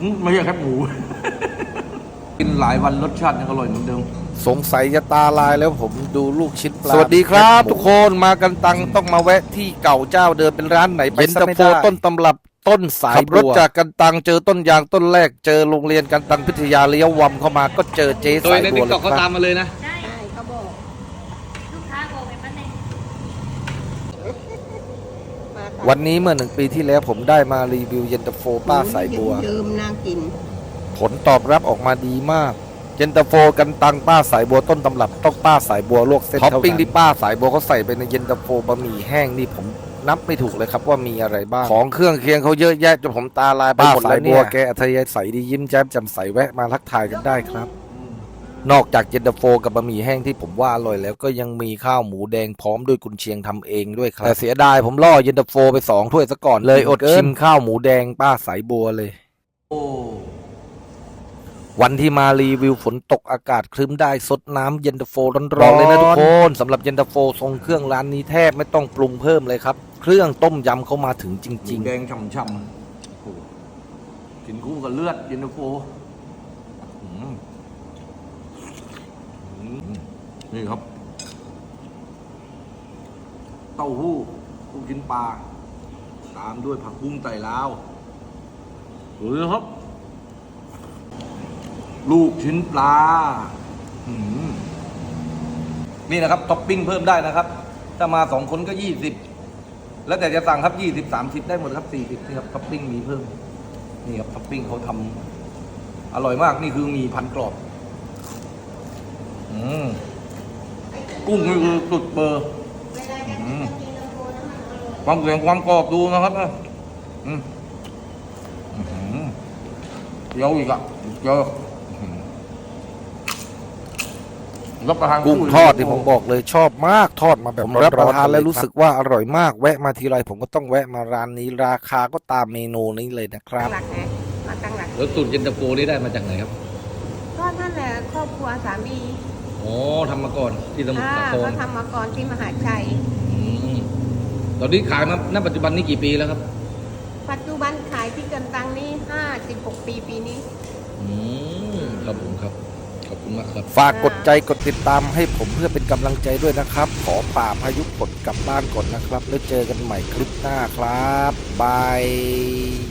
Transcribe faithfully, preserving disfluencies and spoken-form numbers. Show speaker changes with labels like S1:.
S1: อืมไม่ใช่แคบหมู กินหลายวันรสชาติยังอร่อยเหมือนเดิม
S2: สงสัยจะตาลายแล้วผมดูลูกชิ้นปลาสวัสดีครับทุกคนมากันตังต้องมาแวะที่เก่าเจ้าเดิมเป็นร้านไหนไปซะไม่ได้เย็นตาโฟต้นตำรับต้นสายขับรถจากกันตังเจอต้นยางต้นแรกเจอโรงเรียนกันตังพิทยาเลี้ยววำเข้ามาก็เจอเจ๊สายบัวเลยครับเขาตามมาเลยนะ
S3: ใช่เขาบอกลูกค้าบอกเป็นประเด็น
S2: วันนี้เมื่อหนึ่งปีที่แล้วผมได้มารีวิวเย็นตาโฟป้าสายบัว
S3: ลืมน่ากิน
S2: ผลตอบรับออกมาดีมากเย็นตาโฟกันตังป้าสายบัวต้นตำรับต้องป้าสายบัวลวกเส้นท็อปปิ้งที่ป้าสายบัวเขาใส่ไปในเย็นตาโฟบะหมี่แห้งนี่ผมนับไม่ถูกเลยครับว่ามีอะไรบ้างของเครื่องเคียงเขาเยอะแยะจนผมตาลายไปหมดเลยเนี่ยแกอัธยาศัยดียิ้มแย้มแจ่มใสแวะมาทักทายกันได้ครับนอกจากเย็นตาโฟกับบะหมี่แห้งที่ผมว่าอร่อยแล้วก็ยังมีข้าวหมูแดงพร้อมด้วยกุนเชียงทำเองด้วยครับแต่เสียดายผมล่อเย็นตาโฟไปสองถ้วยซะก่อนเลยอดชิมข้าวหมูแดงป้าสายบัวเลย
S1: โอ้
S2: วันที่มารีวิวฝนตกอากาศครึ้มได้สดน้ำเย็นตาโฟร้อนๆเลยนะทุกคนสำหรับเย็นตาโฟทรงเครื่องร้านนี้แทบไม่ต้องปรุงเพิ่มเลยครับเครื่องต้มยำเขามาถึงจริงๆ
S1: แดงช่ำๆโอ้กินคู่กับเลือดเย็นตาโฟนี่ครับเต้าหู้ลูกชิ้นปลาตามด้วยผักบุ้งไต่ลาวดูนะครับลูกชิ้นปลานี่นะครับท็อปปิ้งเพิ่มได้นะครับถ้ามาสองคนก็ยี่สิบแล้วแต่จะสั่งครับยี่สิบสามสิบได้หมดครับสี่สิบนี่ครับท็อปปิ้งมีเพิ่มนี่ครับท็อปปิ้งเขาทำอร่อยมากนี่คือมีพันกรอบอืมกุ้งนี่คือสุดเบอร์ความแข็งความกรอบดูนะครับอืมเยอะอีกอ่ะเยอะ
S2: กุ้งทอดที่ผมบอกเลยชอบมากทอดมาแบบผมรับประทานแล้วรู้สึกว่าอร่อยมากแวะมาทีไรผมก็ต้องแวะมาร้านนี้ราคาก็ตามเมนูนี้เลยนะครับ
S3: ตั้งหลักไงมาตั้งหลัก
S1: แล้วสูตรเย็นตาโฟนี่ได้มาจากไหนครับ
S3: ก็นั่นแหละครอบครัวสามี
S1: อ๋อทำมาก่อนที่สมุทรสาคร
S3: เขาทำมาก่อนที่มหาชัย
S1: ตอนนี้ขายมาณปัจจุบันนี้กี่ปีแล้วครับ
S3: ปัจจุบันขายที่กันตังนี้ห้าสิบหกปีปีนี้
S1: อืมครับผมครับขอบคุณมากครับ
S2: ฝากกดใจกดติดตามให้ผมเพื่อเป็นกำลังใจด้วยนะครับขอป่าพายุฝนกลับบ้านก่อนนะครับแล้วเจอกันใหม่คลิปหน้าครับบาย